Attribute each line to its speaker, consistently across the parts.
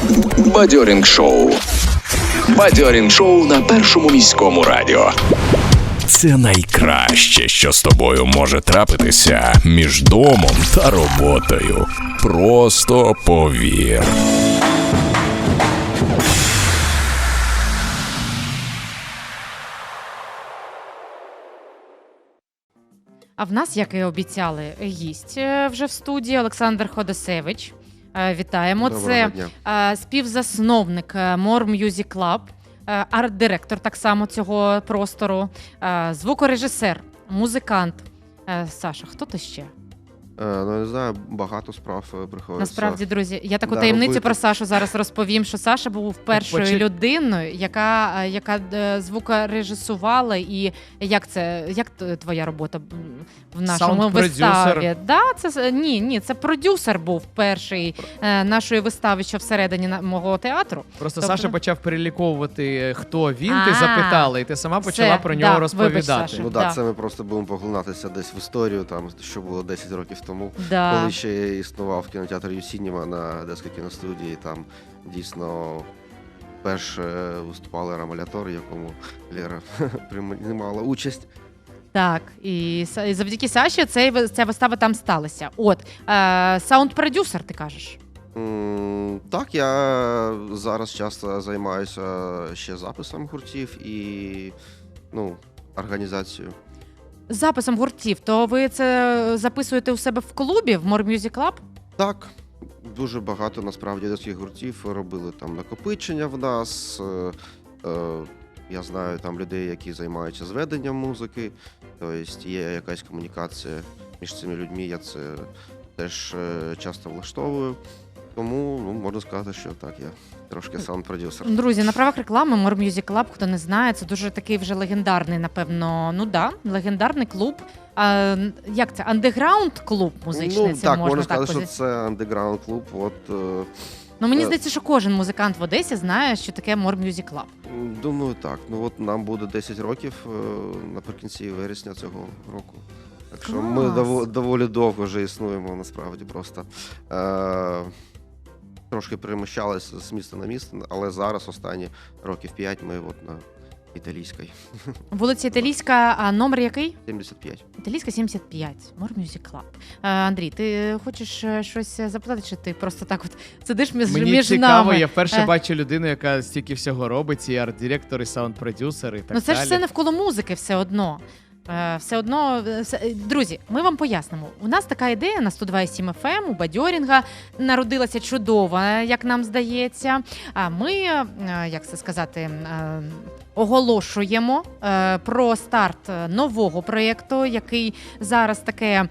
Speaker 1: Бадьорінг шоу. Бадьорінг шоу на Першому міському радіо. Це найкраще, що з тобою може трапитися між домом та роботою. Просто повір.
Speaker 2: А в нас, як і обіцяли, гість вже в студії Олександр Ходосевич. Вітаємо.
Speaker 3: Доброго
Speaker 2: Це співзасновник More Music Club, арт-директор так само цього простору, звукорежисер, музикант. Саша, хто ти ще?
Speaker 3: Ну, не знаю, багато справ приходиться.
Speaker 2: Насправді, друзі, я таку таємницю
Speaker 3: робити.
Speaker 2: про Сашу зараз розповім, що Саша був першою людиною, яка звукорежисувала, і як твоя робота в нашому виставі? Да, це продюсер був перший нашої вистави, що всередині мого театру.
Speaker 4: Просто Саша почав переліковувати, хто він, ти запитала, і ти сама почала про нього розповідати.
Speaker 2: Вибач, Саша.
Speaker 3: Ну так, це ми просто будемо поглинатися десь в історію, там, що було 10 років тому, коли ще існував кінотеатр Юсініма на Одеській кіностудії, там дійсно вперше виступали Рамалятор, в якому Лера приймала участь.
Speaker 2: Так, і завдяки Саші ця вистава там сталася. Саунд-продюсер, ти кажеш?
Speaker 3: Так, я зараз часто займаюся ще записом гуртів і організацією.
Speaker 2: Записом гуртів, то ви це записуєте у себе в клубі, в More Music Club?
Speaker 3: Так, дуже багато насправді одеських гуртів робили там накопичення в нас. Я знаю там людей, які займаються зведенням музики, тобто є якась комунікація між цими людьми, я це теж часто влаштовую. Тому можна сказати, що так, я трошки саунд-продюсер.
Speaker 2: Друзі, на правах реклами More Music Club, хто не знає, це дуже такий вже легендарний, напевно, легендарний клуб. Як це? Андеграунд-клуб музичний?
Speaker 3: Так, можна сказати, що це андеграунд-клуб.
Speaker 2: Мені здається, що кожен музикант в Одесі знає, що таке More Music Club.
Speaker 3: Думаю, так. Нам буде 10 років наприкінці вересня цього року. Так що ми доволі довго вже існуємо, насправді, просто. Трошки переміщалися з міста на місто, але зараз останні років 5 ми на Італійській.
Speaker 2: Вулиця Італійська, а номер який?
Speaker 3: 75.
Speaker 2: Італійська 75, More Music Club. Андрій, ти хочеш щось запитати, чи ти просто так сидиш між нами?
Speaker 4: Мені цікаво, я вперше бачу людину, яка стільки всього робить, і арт-директор, і саунд-продюсер, і так далі.
Speaker 2: Це ж все навколо музики все одно. Друзі, ми вам пояснимо. У нас така ідея на 102,7 FM у Бадьорінга народилася чудова, як нам здається. А ми, як це сказати, оголошуємо про старт нового проєкту, який зараз таке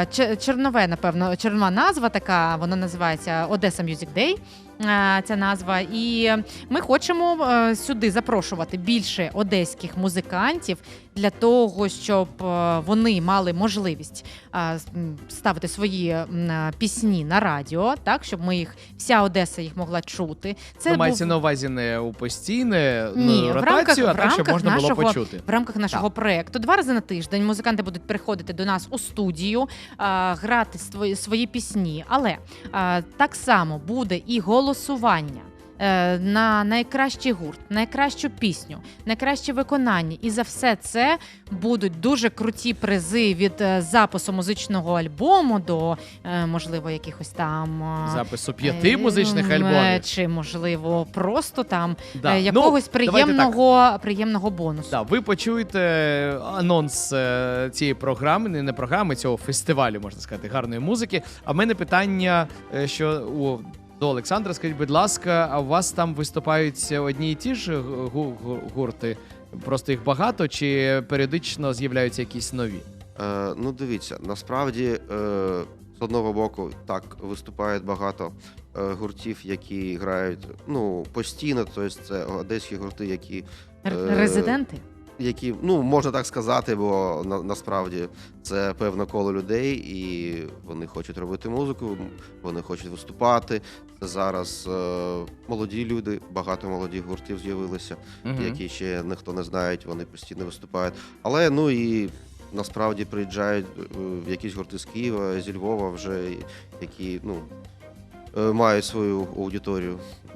Speaker 2: чернова назва така, вона називається Одеса Music Day. Ця назва, і ми хочемо сюди запрошувати більше одеських музикантів для того, щоб вони мали можливість ставити свої пісні на радіо, так, щоб вся Одеса їх могла чути.
Speaker 4: Це мається на увазі не у постійне
Speaker 2: ротацію,
Speaker 4: а так, щоб можна було почути.
Speaker 2: В рамках нашого проєкту 2 рази на тиждень музиканти будуть приходити до нас у студію, грати свої пісні, але так само буде і голосування на найкращий гурт, найкращу пісню, найкраще виконання. І за все це будуть дуже круті призи від запису музичного альбому до, можливо, якихось там...
Speaker 4: Запису 5 музичних альбомів.
Speaker 2: Чи, можливо, просто там якогось приємного бонусу.
Speaker 4: Ви почуєте анонс цієї програми, не програми, цього фестивалю, можна сказати, гарної музики. А в мене питання, що... До Олександра, скажіть, будь ласка, а у вас там виступають одні і ті ж гурти? Просто їх багато, чи періодично з'являються якісь нові?
Speaker 3: Дивіться, насправді, з одного боку, так, виступають багато гуртів, які грають постійно, тобто це одеські гурти, які...
Speaker 2: Резиденти?
Speaker 3: Які, можна так сказати, бо насправді це певне коло людей, і вони хочуть робити музику, вони хочуть виступати. Зараз молоді люди, багато молодих гуртів з'явилися, які ще ніхто не знає, вони постійно виступають. Але, і насправді приїжджають якісь гурти з Києва, зі Львова вже, які, мають свою аудиторію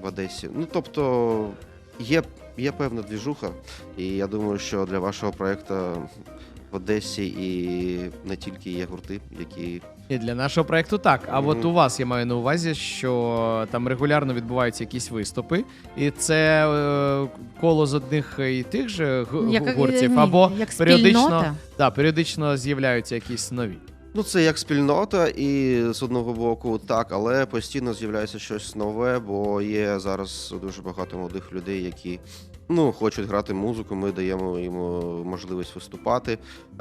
Speaker 3: в Одесі. Ну, тобто, є певна двіжуха, і я думаю, що для вашого проєкту в Одесі і не тільки є гурти, які...
Speaker 4: І для нашого проєкту так. А от у вас я маю на увазі, що там регулярно відбуваються якісь виступи, і це коло з одних і тих же гуртів, або
Speaker 2: як
Speaker 4: періодично,
Speaker 2: спільнота?
Speaker 4: періодично з'являються якісь нові.
Speaker 3: Ну, це як спільнота, і з одного боку так, але постійно з'являється щось нове, бо є зараз дуже багато молодих людей, які хочуть грати музику, ми даємо їм можливість виступати.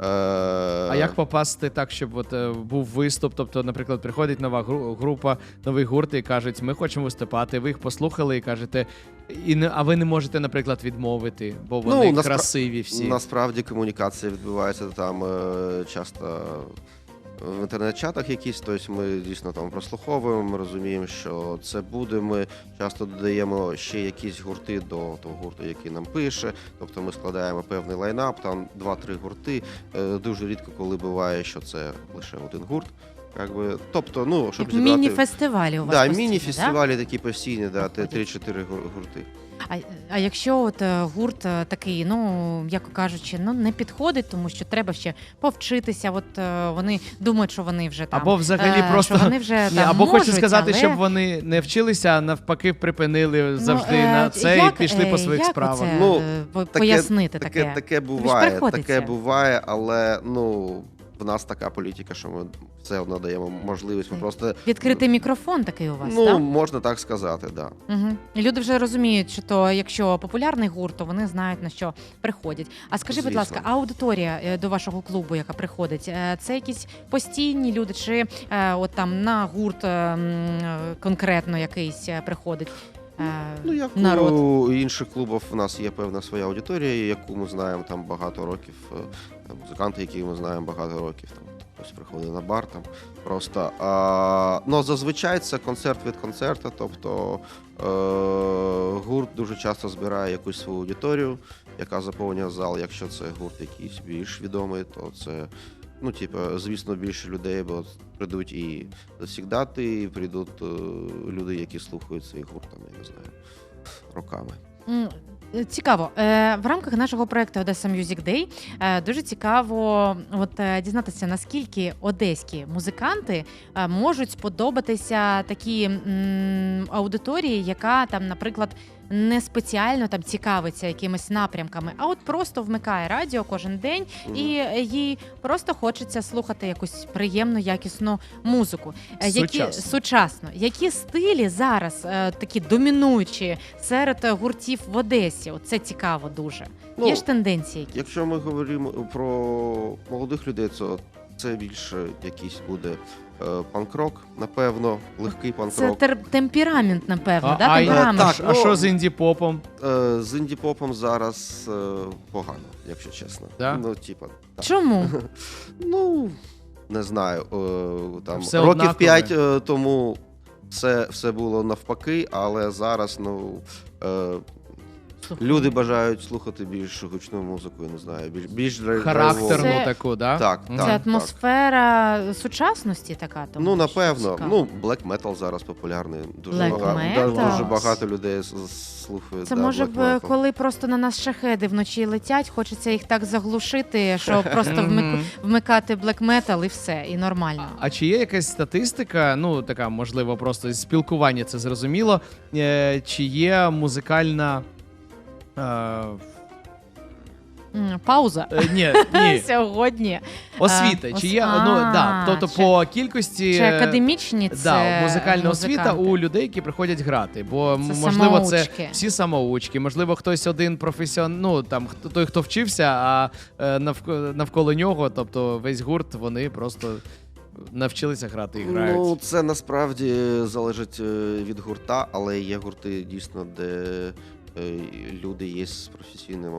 Speaker 4: А як попасти так, щоб був виступ? Тобто, наприклад, приходить нова група, новий гурт і кажуть, ми хочемо виступати, ви їх послухали і кажете, а ви не можете, наприклад, відмовити, бо вони красиві всі.
Speaker 3: Насправді комунікація відбувається там часто в інтернет-чатах якісь, тобто ми дійсно там прослуховуємо, ми розуміємо, що це буде, ми часто додаємо ще якісь гурти до того гурту, який нам пише, тобто ми складаємо певний лайнап, там 2-3 гурти, дуже рідко коли буває, що це лише один гурт. Тобто, щоб зібрати...
Speaker 2: Міні-фестивалі у вас
Speaker 3: Да,
Speaker 2: постійні,
Speaker 3: міні-фестивалі такі постійні, 3-4 гурти.
Speaker 2: А якщо гурт такий, як кажучи, не підходить, тому що треба ще повчитися, вони думають, що вони вже там...
Speaker 4: Або взагалі просто...
Speaker 2: Вони вже там
Speaker 4: або
Speaker 2: можуть,
Speaker 4: хочу сказати,
Speaker 2: але...
Speaker 4: щоб вони не вчилися, а навпаки припинили завжди на це і пішли по своїх справах.
Speaker 2: Пояснити таке?
Speaker 3: Таке буває, але, в нас така політика, що ми все одно даємо можливість. Ми просто...
Speaker 2: Відкритий мікрофон такий у вас, так?
Speaker 3: Можна так сказати, так. Да.
Speaker 2: Угу. Люди вже розуміють, що якщо популярний гурт, то вони знають, на що приходять. А скажи, будь ласка, аудиторія до вашого клубу, яка приходить, це якісь постійні люди, чи там на гурт конкретно якийсь приходить?
Speaker 3: Як
Speaker 2: народ.
Speaker 3: У інших клубів у нас є певна своя аудиторія, яку ми знаємо там багато років, музиканти, які ми знаємо багато років, там хтось приходить на бар, там просто. Зазвичай це концерт від концерту, тобто гурт дуже часто збирає якусь свою аудиторію, яка заповнює зал. Якщо це гурт якийсь більш відомий, то це звісно, більше людей, бо прийдуть і завсігдати, і прийдуть люди, які слухають цей гурт, я не знаю, роками.
Speaker 2: Цікаво. В рамках нашого проєкту Одеса Music Day дуже цікаво дізнатися, наскільки одеські музиканти можуть сподобатися такій аудиторії, яка там, наприклад, не спеціально там цікавиться якимись напрямками, а просто вмикає радіо кожен день і їй просто хочеться слухати якусь приємну, якісну музику. Сучасно. Які стилі зараз такі домінуючі серед гуртів в Одесі? Це цікаво дуже. Є ж тенденції?
Speaker 3: Якщо ми говоримо про молодих людей, то це більше якийсь буде панк-рок, напевно, легкий панк-рок.
Speaker 2: Це темперамент, напевно, темперамент.
Speaker 4: А що з інді-попом?
Speaker 3: З інді-попом зараз погано, якщо чесно.
Speaker 4: Да?
Speaker 3: Так.
Speaker 2: Чому?
Speaker 3: Не знаю. Там
Speaker 4: все
Speaker 3: років
Speaker 4: однакове.
Speaker 3: 5 тому все було навпаки, але зараз, люди бажають слухати більш гучну музику, я не знаю, більш
Speaker 4: характерну таку, да?
Speaker 3: Так.
Speaker 2: Це атмосфера сучасності така? Тому,
Speaker 3: напевно. Black metal зараз популярний. Дуже багато людей слухають.
Speaker 2: Це може б, коли просто на нас шахеди вночі летять, хочеться їх так заглушити, що просто вмикати black metal і все, і нормально.
Speaker 4: А чи є якась статистика, така, можливо, просто з спілкування, це зрозуміло, чи є музикальна...
Speaker 2: Пауза.
Speaker 4: Ні.
Speaker 2: Сьогодні.
Speaker 4: Освіта. Чи є, тобто по кількості...
Speaker 2: Чи академічні це
Speaker 4: музикальна освіта у людей, які приходять грати. Бо, можливо, це всі самоучки, можливо, хтось один професіонал, той, хто вчився, а навколо нього, тобто весь гурт, вони просто... навчилися грати і грають.
Speaker 3: Це насправді залежить від гурта, але є гурти дійсно, де люди є з професійним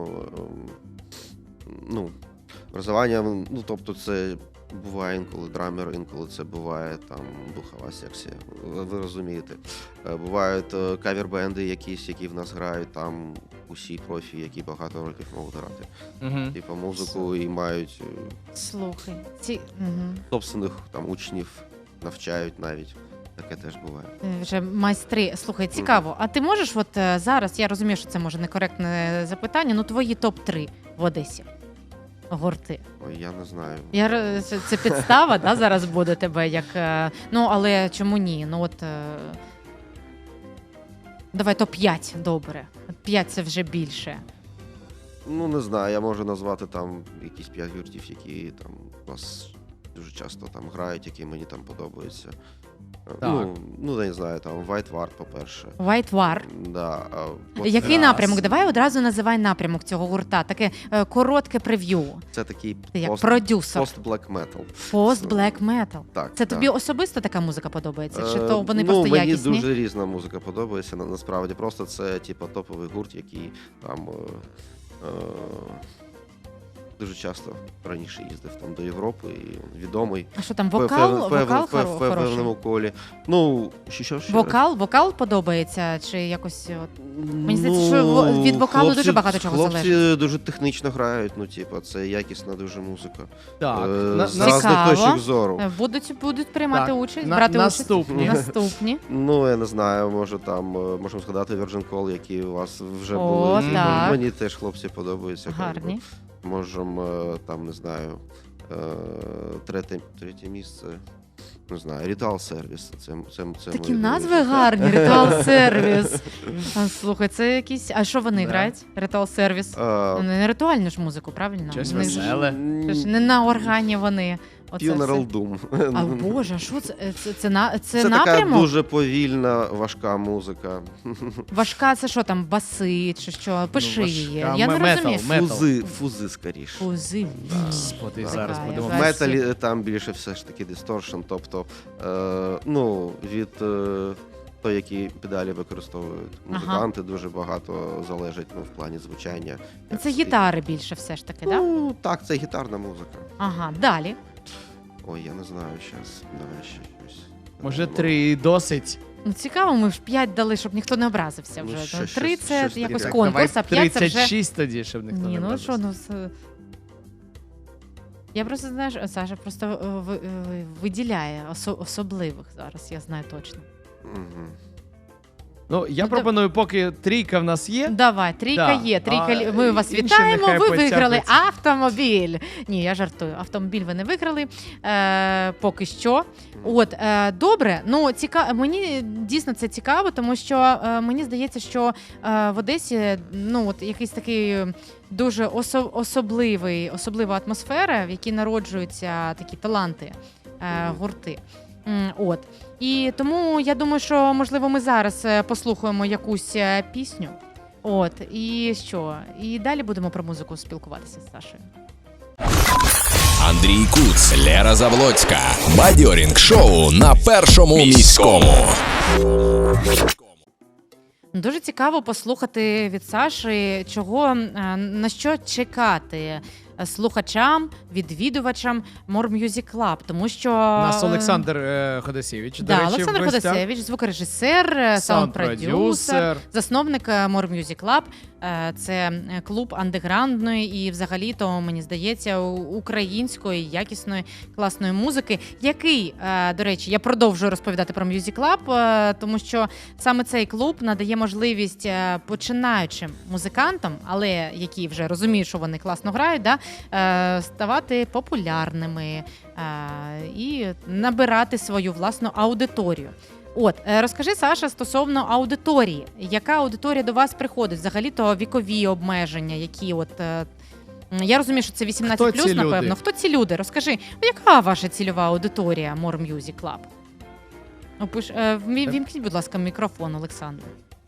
Speaker 3: образованням. Тобто це буває інколи драмер, інколи це буває там духова секція. Ви розумієте. Бувають кавер-бенди якісь, які в нас грають, там усі профі, які багато років можуть грати. Типу музику і мають собственних там учнів, навчають навіть таке теж буває.
Speaker 2: Вже майстри. Слухай, цікаво. А ти можеш зараз, я розумію, що це може некоректне запитання, твої топ-3 в Одесі гурти?
Speaker 3: Ой, я не знаю.
Speaker 2: Це підстава, да, зараз буде тебе як. Але чому ні? Давай топ-5, добре. 5 це вже більше.
Speaker 3: Ну, не знаю, я можу назвати там якісь 5 гуртів, які там у нас дуже часто там грають, які мені там подобаються.
Speaker 4: Так.
Speaker 3: Ну, не знаю, там White Ward, по-перше.
Speaker 2: White War.
Speaker 3: Да,
Speaker 2: Який напрямок? Давай одразу називай напрямок цього гурта. Таке коротке прев'ю.
Speaker 3: Це такий
Speaker 2: Ти як продюсер.
Speaker 3: пост-black metal.
Speaker 2: Пост-блек метал.
Speaker 3: Так,
Speaker 2: Це
Speaker 3: так.
Speaker 2: тобі особисто така музика подобається? Чи то вони просто
Speaker 3: мені
Speaker 2: якісні?
Speaker 3: дуже різна музика подобається, насправді. Просто це, топовий гурт, який там дуже часто раніше їздив там до Європи і відомий.
Speaker 2: А що там,
Speaker 3: В
Speaker 2: вокал
Speaker 3: певному
Speaker 2: хороший?
Speaker 3: колі. Ну, що?
Speaker 2: Вокал подобається? Чи якось... Мені здається, що від вокалу дуже багато чого залежить.
Speaker 3: Хлопці дуже технічно грають, це якісна дуже музика.
Speaker 4: Так,
Speaker 3: З різних точок зору.
Speaker 2: Будуть приймати
Speaker 4: Так,
Speaker 2: участь, брати
Speaker 4: наступні.
Speaker 2: участь? Наступні.
Speaker 3: Ну, я не знаю, можемо згадати Virgin Call, які у вас вже
Speaker 2: О,
Speaker 3: були.
Speaker 2: так.
Speaker 3: Мені теж хлопці подобаються.
Speaker 2: Гарні.
Speaker 3: Можемо, там, не знаю, третє місце, не знаю, Ritual Service. Це
Speaker 2: Такі
Speaker 3: мої
Speaker 2: назви
Speaker 3: друзі.
Speaker 2: гарні, Ritual Service. Слухай, це якісь... А що вони
Speaker 4: Да.
Speaker 2: грають? Ritual Service? Не ритуальну ж музику, правильно?
Speaker 4: Щось
Speaker 2: Вони ж-
Speaker 4: веселе.
Speaker 2: це ж не на органі вони. Оце
Speaker 3: Funeral
Speaker 2: все.
Speaker 3: Doom.
Speaker 2: А Боже, що це? Це
Speaker 3: Це така
Speaker 2: напрямок?
Speaker 3: дуже повільна, важка музика.
Speaker 2: Важка, це що там, баси чи що? Пиши її.
Speaker 4: важка.
Speaker 2: Я не
Speaker 4: Метал.
Speaker 2: розумію.
Speaker 3: Фузи скоріше.
Speaker 2: Фузи.
Speaker 4: Господи,
Speaker 3: Так.
Speaker 4: зараз
Speaker 2: Така,
Speaker 4: будемо.
Speaker 3: В
Speaker 2: якась-
Speaker 3: металі там більше все ж таки дисторшн, тобто від того, які педалі використовують музиканти, дуже багато залежить в плані звучання. як
Speaker 2: Це
Speaker 3: стиль.
Speaker 2: гітари більше все ж таки, так? Да?
Speaker 3: Ну, так, це гітарна музика.
Speaker 2: Ага, далі.
Speaker 3: Ой, я не знаю, зараз давай ще щось.
Speaker 4: Може, 3 досить.
Speaker 2: Цікаво, ми ж 5 дали, щоб ніхто не образився
Speaker 3: Ну,
Speaker 2: вже.
Speaker 3: щось
Speaker 2: 3 це
Speaker 3: таке.
Speaker 2: якось
Speaker 3: Так,
Speaker 2: конкурс, а 5 це вже...
Speaker 4: 36 тоді, щоб ніхто
Speaker 2: Ні,
Speaker 4: не
Speaker 2: ну що,
Speaker 4: образився.
Speaker 2: Я просто, знаєш, Саша просто виділяє особливих зараз, я знаю точно.
Speaker 3: Мгм.
Speaker 4: Ну, я
Speaker 2: Ну,
Speaker 4: пропоную, поки 3 в нас є.
Speaker 2: Давай, трійка
Speaker 4: Да.
Speaker 2: є. Трійка.
Speaker 4: А
Speaker 2: Ми вас
Speaker 4: інші
Speaker 2: вітаємо.
Speaker 4: нехай
Speaker 2: Ви виграли
Speaker 4: потягнуться.
Speaker 2: автомобіль. Ні, я жартую. Автомобіль ви не виграли. Поки що. Добре. Ну, мені дійсно це цікаво, тому що мені здається, що в Одесі якийсь такий дуже особлива атмосфера, в якій народжуються такі таланти, гурти. І тому я думаю, що можливо ми зараз послухаємо якусь пісню. І що? І далі будемо про музику спілкуватися з Сашою.
Speaker 1: Андрій Куц, Лера Завлоцька. Бадьорінг шоу на першому міському.
Speaker 2: Дуже цікаво послухати від Саші, на що чекати слухачам, відвідувачам More Music Club, тому що...
Speaker 4: У нас Олександр Ходосєвич, до речі,
Speaker 2: Олександр
Speaker 4: в гостях.
Speaker 2: Ходосєвич, звукорежисер, саунд-продюсер, засновник More Music Club. Це клуб андеграундної і взагалі-то, мені здається, української, якісної, класної музики, який, до речі, я продовжую розповідати про Music Club, тому що саме цей клуб надає можливість починаючим музикантам, але які вже розуміють, що вони класно грають, ставати популярними і набирати свою власну аудиторію. Розкажи, Саша, стосовно аудиторії. Яка аудиторія до вас приходить? Взагалі-то вікові обмеження, які я розумію, що це 18+, напевно. Хто ці люди? Розкажи, яка ваша цільова аудиторія More Music Club? Вімкніть, будь ласка, мікрофон, Олександр.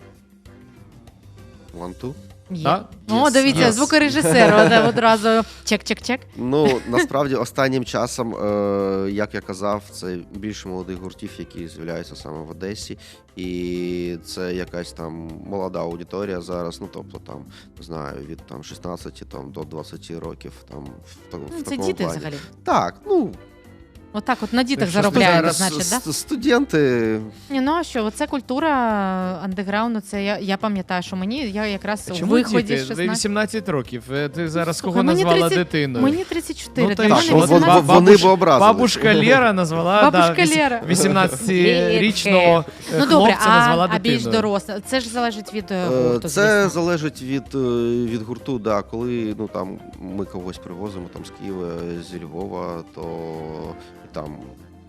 Speaker 3: One-two?
Speaker 2: Є.
Speaker 4: Так?
Speaker 2: Дивіться,
Speaker 4: Yes.
Speaker 2: звукорежисер одразу чек-чек-чек.
Speaker 3: Ну, насправді, останнім часом, як я казав, це більше молодих гуртів, які з'являються саме в Одесі. І це якась там молода аудиторія зараз, тобто там, не знаю, від 16 до 20 років. Там, в
Speaker 2: Це
Speaker 3: такому
Speaker 2: діти
Speaker 3: плані.
Speaker 2: взагалі.
Speaker 3: Так,
Speaker 2: Отак от на дітях
Speaker 4: Так що
Speaker 2: заробляєте,
Speaker 4: зараз
Speaker 2: значить, да?
Speaker 3: Студенти.
Speaker 2: Ні, ну а що, оце культура андеграунду, це я пам'ятаю, що я якраз у
Speaker 4: Чому
Speaker 2: виході
Speaker 4: діти?
Speaker 2: з 16.
Speaker 4: 18 років. Ти зараз
Speaker 2: Слухай,
Speaker 4: кого
Speaker 2: мені
Speaker 4: назвала
Speaker 2: 30
Speaker 4: дитиною?
Speaker 2: Мені 34,
Speaker 4: Ну,
Speaker 2: для
Speaker 4: та й
Speaker 2: мене
Speaker 4: що?
Speaker 2: 18.
Speaker 3: Вони б образились.
Speaker 4: Бабушка Лера назвала
Speaker 2: Бабушка Лера.
Speaker 4: 18-річного
Speaker 2: Ну добре,
Speaker 4: хлопця назвала
Speaker 2: а більш
Speaker 4: дитиною.
Speaker 2: доросле. Це ж залежить від гурту,
Speaker 3: Це
Speaker 2: звісно.
Speaker 3: залежить від гурту, да. Коли там ми когось привозимо там з Києва, зі Львова, то там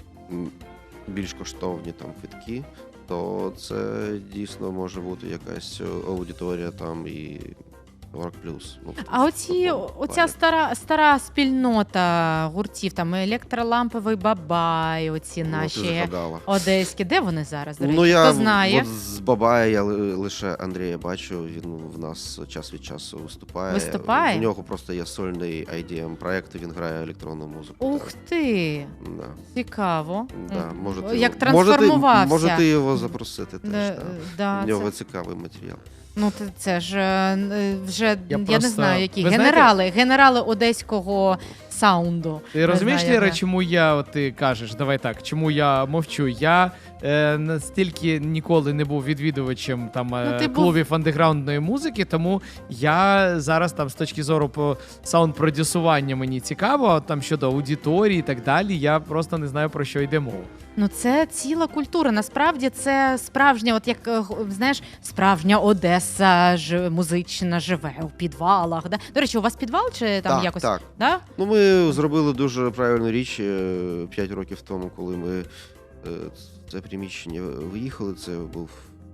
Speaker 3: більш коштовні там квитки, то це дійсно може бути якась аудиторія там і 40+. Ну,
Speaker 2: А оця
Speaker 3: плані.
Speaker 2: стара спільнота гуртів, там електроламповий бабай, оці
Speaker 3: Ну, ти
Speaker 2: наші
Speaker 3: згадала.
Speaker 2: одеські, де вони зараз, до речі?
Speaker 3: Ну, я
Speaker 2: Хто знає?
Speaker 3: от з Бабая я лише Андрія бачу, він в нас час від часу виступає.
Speaker 2: Виступає?
Speaker 3: У нього просто є сольний IDM-проект, і він грає електронну музику.
Speaker 2: Ух
Speaker 3: так.
Speaker 2: ти,
Speaker 3: Да.
Speaker 2: цікаво.
Speaker 3: Да,
Speaker 2: Як трансформувався.
Speaker 3: Можете його запросити теж.
Speaker 2: Да,
Speaker 3: Да.
Speaker 2: да,
Speaker 3: У нього
Speaker 2: це-
Speaker 3: цікавий матеріал.
Speaker 2: Ну, це ж вже я не
Speaker 4: просто-
Speaker 2: знаю, які
Speaker 4: ви знаєте-
Speaker 2: генерали одеського саунду.
Speaker 4: Ти
Speaker 2: Не
Speaker 4: розумієш,
Speaker 2: знаю,
Speaker 4: Ліра,
Speaker 2: як.
Speaker 4: чому ти кажеш, давай так, чому я мовчу? Я настільки ніколи не був відвідувачем там
Speaker 2: ти був-
Speaker 4: клубів андеграундної музики, тому я зараз там з точки зору по саунд-продюсування мені цікаво, а там щодо аудиторії і так далі, я просто не знаю, про що йде мова.
Speaker 2: Ну, це ціла культура. Насправді це справжня, от як знаєш, справжня Одеса музична живе у підвалах. Да? До речі, у вас підвал чи там
Speaker 3: Так,
Speaker 2: якось?
Speaker 3: так.
Speaker 2: Да?
Speaker 3: Ну, ми зробили дуже правильну річ 5 років тому, коли ми це приміщення виїхали. Це був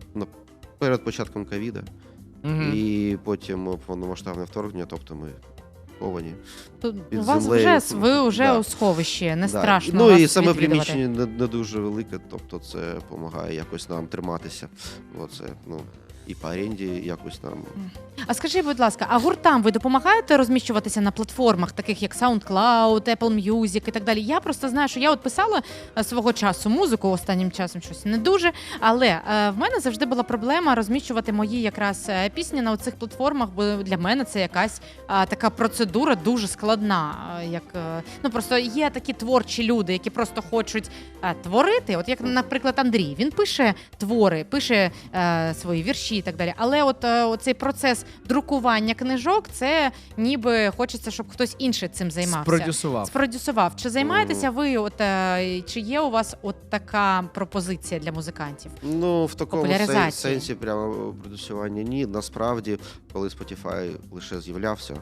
Speaker 3: перед початком ковіда.
Speaker 4: Мгм.
Speaker 3: І потім повномасштабне вторгнення, тобто ми ховані.
Speaker 2: Тут
Speaker 3: Під
Speaker 2: у вас
Speaker 3: землею.
Speaker 2: ви вже
Speaker 3: Да.
Speaker 2: у сховищі, не
Speaker 3: Да.
Speaker 2: страшно.
Speaker 3: Ну
Speaker 2: вас
Speaker 3: і саме
Speaker 2: відвідувати.
Speaker 3: приміщення не дуже велике, тобто це допомагає якось нам триматися. Оце, і по оренді якось нам.
Speaker 2: А скажи, будь ласка, а гуртам ви допомагаєте розміщуватися на платформах, таких як SoundCloud, Apple Music і так далі? Я просто знаю, що я от писала свого часу музику, останнім часом щось не дуже, але в мене завжди була проблема розміщувати мої якраз пісні на цих платформах, бо для мене це якась така процедура дуже складна. Просто є такі творчі люди, які просто хочуть творити. От як, наприклад, Андрій, він пише твори, пише свої вірші і так далі. Але оцей процес друкування книжок, це ніби хочеться, щоб хтось інший цим займався. Спродюсував. Чи займаєтеся ви, чи є у вас така пропозиція для музикантів?
Speaker 3: Ну, в такому
Speaker 2: Популяризації.
Speaker 3: сенсі прямо продюсування ні. Насправді, коли Spotify лише з'являвся,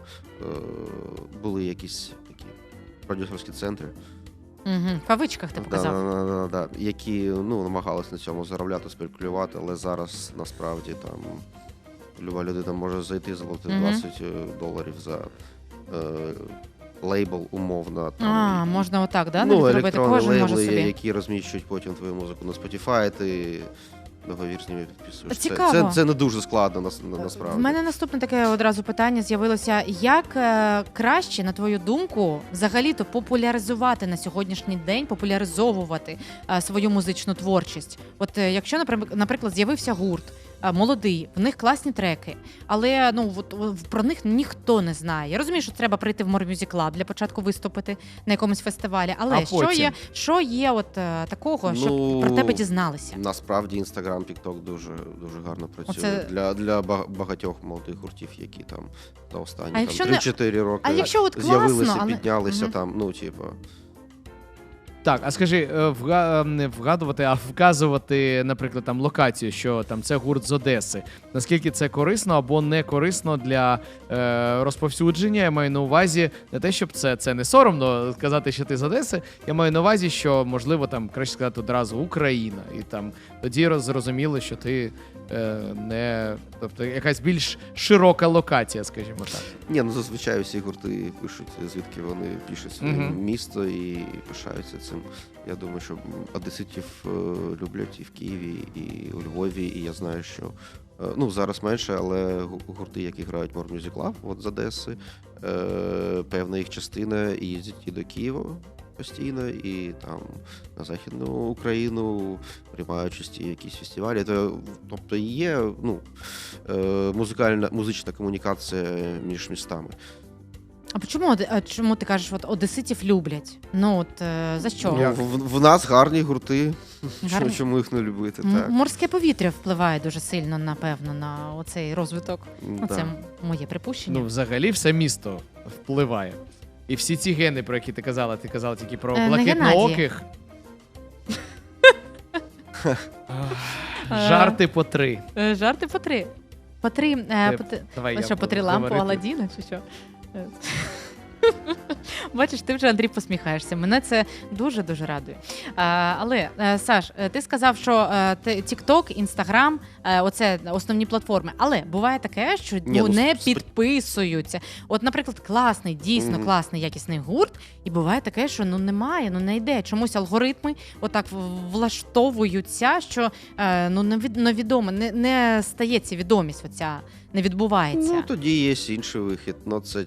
Speaker 3: були якісь такі продюсерські центри.
Speaker 2: Угу. В кавичках ти показав.
Speaker 3: Да, які намагалися на цьому заробляти, спекулювати, але зараз насправді там люба людина може зайти, заплатити $20 за лейбл умовно. Там,
Speaker 2: можна отак, да? Навіть зробити,
Speaker 3: електронні
Speaker 2: кожен може
Speaker 3: лейбли,
Speaker 2: собі.
Speaker 3: які розміщують потім твою музику на Spotify, ти договір з ними підписуєш.
Speaker 2: Цікаво.
Speaker 3: Це не дуже складно насправді.
Speaker 2: В мене наступне таке одразу питання з'явилося. Як краще, на твою думку, взагалі-то популяризувати на сьогоднішній день, популяризовувати свою музичну творчість? От якщо, наприклад, з'явився гурт, молодий, в них класні треки, але про них ніхто не знає. Я розумію, що треба прийти в More Music Club для початку виступити на якомусь фестивалі, але що є такого, щоб про тебе дізналися?
Speaker 3: Насправді Instagram, TikTok дуже гарно працює.
Speaker 2: Оце...
Speaker 3: Для багатьох молодих гуртів, які там за останні 3-4 роки
Speaker 2: з'явилися,
Speaker 3: піднялися
Speaker 2: угу.
Speaker 3: там,
Speaker 4: Так, а скажи, не вгадувати, а вказувати, наприклад, там локацію, що там це гурт з Одеси. Наскільки це корисно або не корисно для розповсюдження? Я маю на увазі не те, щоб це не соромно сказати, що ти з Одеси. Я маю на увазі, що можливо там краще сказати одразу Україна, і там тоді зрозуміло, що ти тобто якась більш широка локація, скажімо так.
Speaker 3: Ні, зазвичай всі гурти пишуть, звідки вони пишуть своє місто і пишаються цим. Я думаю, що одеситів люблять і в Києві, і у Львові, і я знаю, що зараз менше, але гурти, які грають More Music Club, от з Одеси, певна їх частина їздять і до Києва постійно, і там на Західну Україну приймають участь якісь фестивалі. Тобто є музична комунікація між містами.
Speaker 2: чому ти кажеш, от одеситів люблять? Ну от за що?
Speaker 3: Ну, в нас гарні гурти.
Speaker 2: Гарні?
Speaker 3: Чому їх не любити? Так.
Speaker 2: Морське повітря впливає дуже сильно, напевно, на оцей розвиток. Ну, це моє припущення.
Speaker 4: Ну, взагалі, все місто впливає. І всі ці гени, про які ти казала тільки про
Speaker 2: Не
Speaker 4: блакитнооких. Жарти по 3.
Speaker 2: Жарти по 3. По 3.
Speaker 4: Давай я
Speaker 2: Що, по 3
Speaker 4: буду
Speaker 2: лампу
Speaker 4: говорити.
Speaker 2: Аладдіна, чи що? Бачиш, ти вже, Андрій, посміхаєшся. Мене це дуже-дуже радує. Але, Саш, ти сказав, що TikTok, Instagram – оце основні платформи. Але буває таке, що не підписуються. От, наприклад, класний, дійсно класний, якісний гурт, і буває таке, що немає, не йде. Чомусь алгоритми отак влаштовуються, що невідомо, не стається відомість оця, не відбувається.
Speaker 3: Ну, тоді є інший вихід. Ну, це,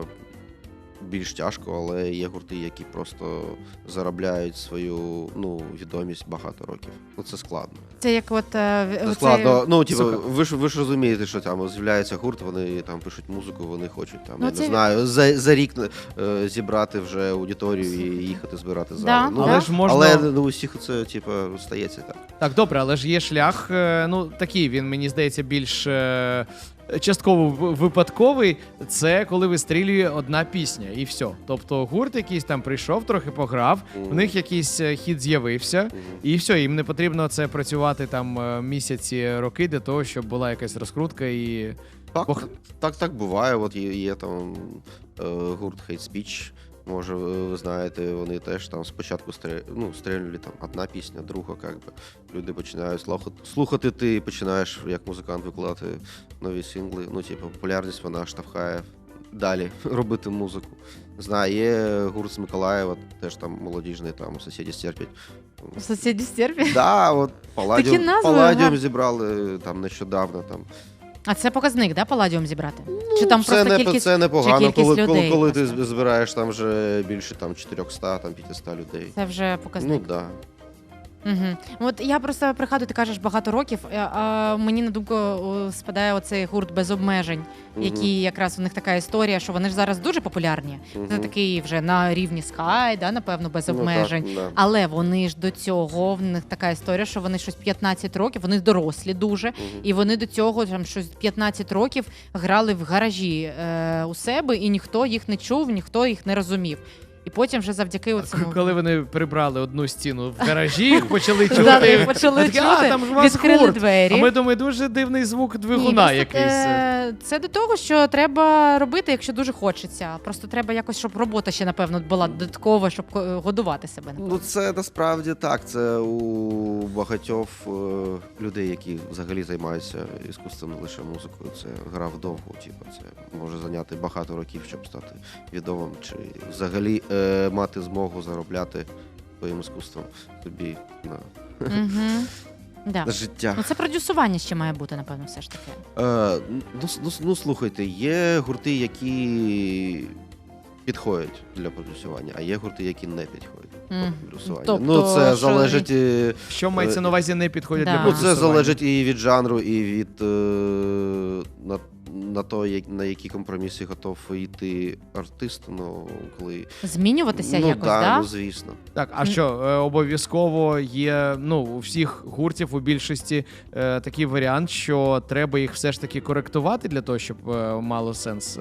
Speaker 3: більш тяжко, але є гурти, які просто заробляють свою відомість багато років. Ну, це складно.
Speaker 2: Це як от
Speaker 3: Це складно. Ну, ви ж розумієте, що там з'являється гурт, вони там пишуть музику, вони хочуть там, я не знаю, за рік зібрати вже аудиторію і їхати збирати зали.
Speaker 2: Да,
Speaker 3: Ну,
Speaker 4: але ж можна...
Speaker 3: Але у всіх це стається так.
Speaker 4: Так, добре, але ж є шлях, такий, він, мені здається, більш частково випадковий. Це коли вистрілює одна пісня, і все. Тобто гурт якийсь там прийшов, трохи пограв, в них якийсь хіт з'явився, і все, їм не потрібно це працювати там місяці, роки для того, щоб була якась розкрутка і...
Speaker 3: Так буває. От є там гурт Hate Speech, може, ви знаєте, вони теж там спочатку стрельнули там одна пісня, друга, люди починають слухати, ти починаєш як музикант викладати нові сингли, популярність вона штовхає далі робити музику. Знаю, є гурт з Миколаєва, теж там молодіжний, там сусіді стерпять.
Speaker 2: Сусіді стерпять?
Speaker 3: Да, от Палладіум зібрали там нещодавно там.
Speaker 2: А це показник, да, Палладіум зібрати? Чи там просто кількість,
Speaker 3: це непогано,
Speaker 2: людей,
Speaker 3: коли ти збираєш там вже більше 400, 500 людей.
Speaker 2: Це вже показник.
Speaker 3: Ну, да.
Speaker 2: Угу. От я просто пригадую, ти кажеш багато років, а мені на думку спадає оцей гурт без обмежень, який якраз у них така історія, що вони ж зараз дуже популярні. Це такий вже на рівні Sky, да, напевно, без обмежень.
Speaker 3: Так, да.
Speaker 2: Але вони ж до цього, в них така історія, що вони щось 15 років, вони дорослі дуже, і вони до цього там щось 15 років грали в гаражі у себе, і ніхто їх не чув, ніхто їх не розумів. І потім вже завдяки оцьому...
Speaker 4: Коли вони прибрали одну стіну в гаражі, їх почали чути.
Speaker 2: Да, їх почали чути,
Speaker 4: там ж у вас
Speaker 2: відкрили
Speaker 4: гурт.
Speaker 2: двері.
Speaker 4: А ми думаємо, дуже дивний звук двигуна якийсь.
Speaker 2: Це до того, що треба робити, якщо дуже хочеться. Просто треба якось, щоб робота ще, напевно, була додаткова, щоб годувати себе. Напевно.
Speaker 3: Ну, це насправді так. Це у багатьох людей, які взагалі займаються іскусством, не лише музикою. Це гра вдовго. Це може зайняти багато років, щоб стати відомим, чи взагалі мати змогу заробляти своїм іскусством собі на життя.
Speaker 2: Ну, це продюсування ще має бути, напевно, все ж таки.
Speaker 3: Слухайте, є гурти, які підходять для продюсування, а є гурти, які не підходять для продюсування.
Speaker 2: Тобто,
Speaker 3: це залежить...
Speaker 4: Що мається на увазі не підходять для
Speaker 2: Да.
Speaker 4: продюсування?
Speaker 3: Це залежить і від жанру, і від на то, на які компроміси готов йти артист, коли...
Speaker 2: Змінюватися якось, да?
Speaker 3: Ну, звісно.
Speaker 4: Так, а що, обов'язково є, у всіх гуртів, у більшості такий варіант, що треба їх все ж таки коректувати для того, щоб мало сенс,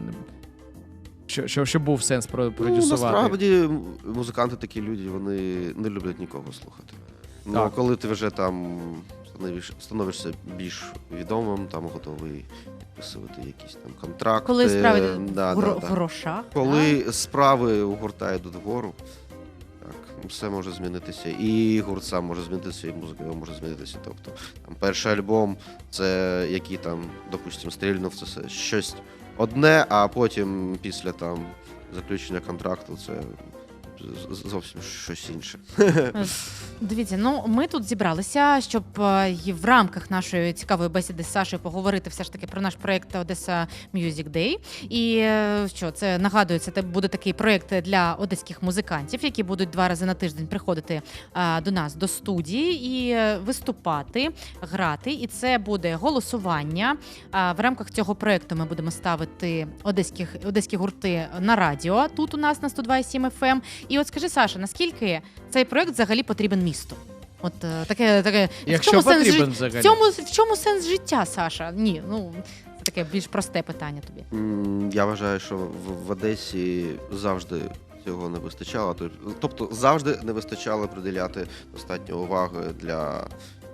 Speaker 4: щоб був сенс продюсувати?
Speaker 3: Насправді, музиканти такі люди, вони не люблять нікого слухати.
Speaker 4: Так.
Speaker 3: Коли ти вже там становишся більш відомим, там готовий підписувати якісь там контракти.
Speaker 2: Коли справи в
Speaker 3: да.
Speaker 2: грошах.
Speaker 3: Коли справи у гурта йдуть вгору, так, все може змінитися. І гурт сам може змінитися, і музика його може змінитися. Тобто, там, перший альбом, це який там, допустимо, стрільнув, це щось одне, а потім після там заключення контракту це зовсім щось інше.
Speaker 2: Дивіться, ну ми тут зібралися, щоб і в рамках нашої цікавої бесіди з Сашею поговорити все ж таки про наш проєкт Одеса Music Day. І що це нагадую, це буде такий проєкт для одеських музикантів, які будуть 2 рази на тиждень приходити до нас до студії і виступати, грати. І це буде голосування. В рамках цього проєкту ми будемо ставити одеські гурти на радіо тут у нас на 102,7 FM. І от скажи, Саша, наскільки цей проєкт взагалі потрібен місту? От таке.
Speaker 4: Якщо потрібен взагалі.
Speaker 2: В чому сенс життя, Саша? Ні, ну це таке більш просте питання тобі.
Speaker 3: Я вважаю, що в Одесі завжди цього не вистачало. Тобто завжди не вистачало приділяти достатньо уваги для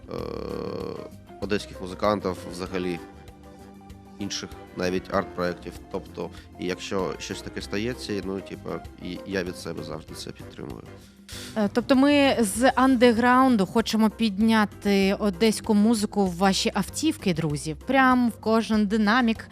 Speaker 3: одеських музикантів, взагалі інших навіть арт-проєктів. Тобто, і якщо щось таке стається, ну, і я від себе завжди це підтримую.
Speaker 2: Тобто ми з андеграунду хочемо підняти одеську музику в ваші автівки, друзі. Прям в кожен динамік,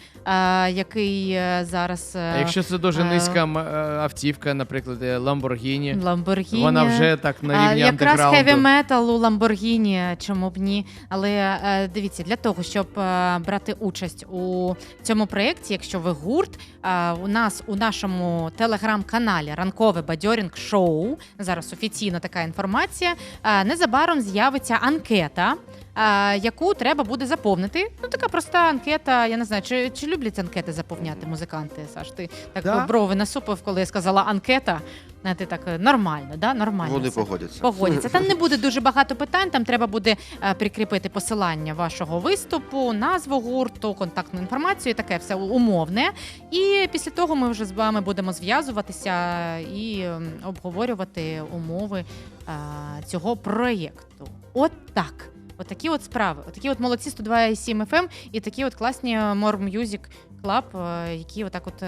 Speaker 2: який зараз...
Speaker 4: А якщо це дуже низька автівка, наприклад, Lamborghini,
Speaker 2: Lamborghini,
Speaker 4: вона вже так на рівні
Speaker 2: якраз
Speaker 4: андеграунду.
Speaker 2: хеві-метал у Lamborghini, чому б ні. Але дивіться, для того, щоб брати участь у цьому проєкті, якщо ви гурт, у нас у нашому телеграм-каналі «Ранкове бадьорінг-шоу», зараз офіційна така інформація, незабаром з'явиться анкета, яку треба буде заповнити. Ну, така проста анкета, я не знаю, чи люблять анкети заповняти музиканти, Саш? Ти так брови насупив, коли я сказала анкета. Ти так нормально, да? Нормально.
Speaker 3: Вони
Speaker 2: все.
Speaker 3: погодяться.
Speaker 2: Там не буде дуже багато питань, там треба буде прикріпити посилання вашого виступу, назву гурту, контактну інформацію, таке все умовне. І після того ми вже з вами будемо зв'язуватися і обговорювати умови цього проєкту. От так. Отакі от справи. Отакі от молодці 102,7 FM і такі от класні More Music Club, які отак от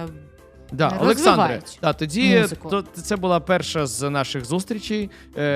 Speaker 4: Олександре, тоді
Speaker 2: музику.
Speaker 4: це була перша з наших зустрічей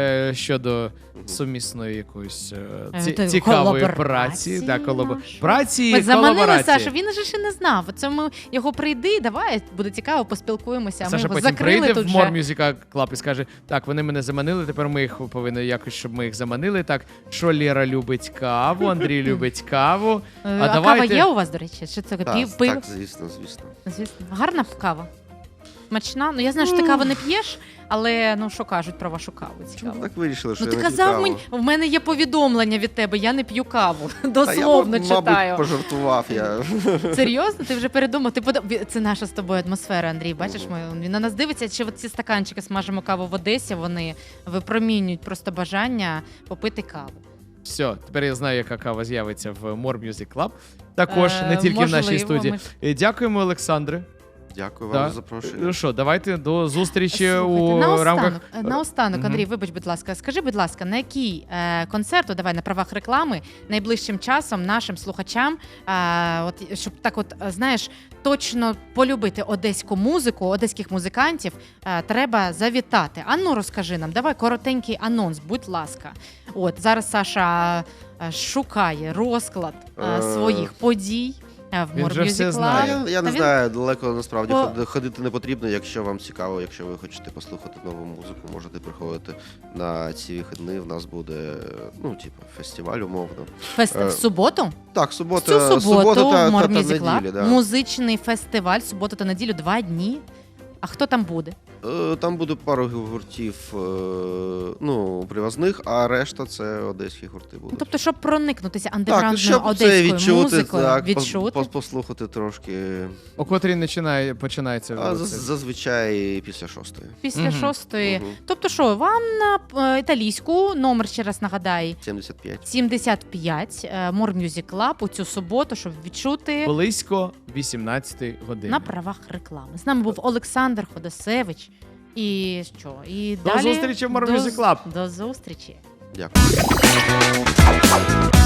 Speaker 4: щодо сумісної якоїсь цікавої праці. Праці
Speaker 2: Ми заманили
Speaker 4: колаборації.
Speaker 2: Сашу, він же ще не знав. Це ми його прийди, давай, буде цікаво, поспілкуємося.
Speaker 4: Саша
Speaker 2: ми його
Speaker 4: потім
Speaker 2: закрили
Speaker 4: прийде
Speaker 2: тут
Speaker 4: в
Speaker 2: же.
Speaker 4: More Music Club і скаже, так, вони мене заманили, тепер ми їх повинні якось, щоб ми їх заманили. Так, що Лєра любить каву, Андрій любить каву.
Speaker 2: А
Speaker 4: давайте...
Speaker 2: кава є у вас, до речі? Що це пиво?
Speaker 3: Так, звісно.
Speaker 2: Звісно. Гарна кава. Смачна. Ну я знаю, що ти каву не п'єш, але ну що кажуть про вашу каву? Цікаво.
Speaker 3: Так вирішили, що
Speaker 2: Ну
Speaker 3: я
Speaker 2: ти
Speaker 3: не
Speaker 2: казав
Speaker 3: цікаво.
Speaker 2: мені, в мене є повідомлення від тебе, я не п'ю каву.
Speaker 3: Та
Speaker 2: Дословно
Speaker 3: я,
Speaker 2: читаю.
Speaker 3: мабуть, пожартував я.
Speaker 2: Серйозно? Ти вже передумав? Це наша з тобою атмосфера, Андрій. Бачиш, він на нас дивиться, чи ці стаканчики смажимо каву в Одесі, вони випромінюють просто бажання попити каву.
Speaker 4: Все, тепер я знаю, яка кава з'явиться в More Music Club. Також, не тільки в нашій студії. Дякуємо, Олександре.
Speaker 3: Дякую вам за запрошення.
Speaker 4: Ну що, давайте до зустрічі
Speaker 2: Слухайте,
Speaker 4: у рамках...
Speaker 2: Наостанок, Андрій, вибач, будь ласка, скажи, будь ласка, на який концерт, давай на правах реклами, найближчим часом нашим слухачам, от, щоб так от, знаєш, точно полюбити одеську музику, одеських музикантів, треба завітати. Ану, розкажи нам, давай коротенький анонс, будь ласка. От, зараз Саша шукає розклад своїх подій.
Speaker 4: Він вже все знає.
Speaker 3: Я не знаю, далеко насправді ходити не потрібно. Якщо вам цікаво, якщо ви хочете послухати нову музику, можете приходити на ці вихідні. В нас буде, фестиваль умовно.
Speaker 2: В суботу?
Speaker 3: Так,
Speaker 2: Цю
Speaker 3: субота
Speaker 2: суботу
Speaker 3: та
Speaker 2: More Music
Speaker 3: неділя.
Speaker 2: Club,
Speaker 3: Да.
Speaker 2: музичний фестиваль, суботу та неділю, 2 дні. А хто там буде?
Speaker 3: Там буде пару гуртів привозних, а решта це одеські гурти будуть.
Speaker 2: Тобто, щоб проникнутися
Speaker 3: Так,
Speaker 2: андеграундною
Speaker 3: щоб це
Speaker 2: одеською
Speaker 3: відчути,
Speaker 2: музикою,
Speaker 3: так,
Speaker 2: відчути.
Speaker 3: послухати трошки.
Speaker 4: О котрій починається?
Speaker 3: Зазвичай після 6-ї.
Speaker 2: Після
Speaker 4: Мгм.
Speaker 2: 6-ї.
Speaker 3: Мгм.
Speaker 2: Тобто що, вам на італійську, номер ще раз нагадай,
Speaker 3: 75.
Speaker 2: 75, More Music Club у цю суботу, щоб відчути
Speaker 4: Близько 18 години.
Speaker 2: на правах реклами. З нами був Олександр Ходосевич. І що? І
Speaker 4: До
Speaker 2: далі
Speaker 4: зустрічі в More Music Club.
Speaker 2: До зустрічі.
Speaker 3: Дякую.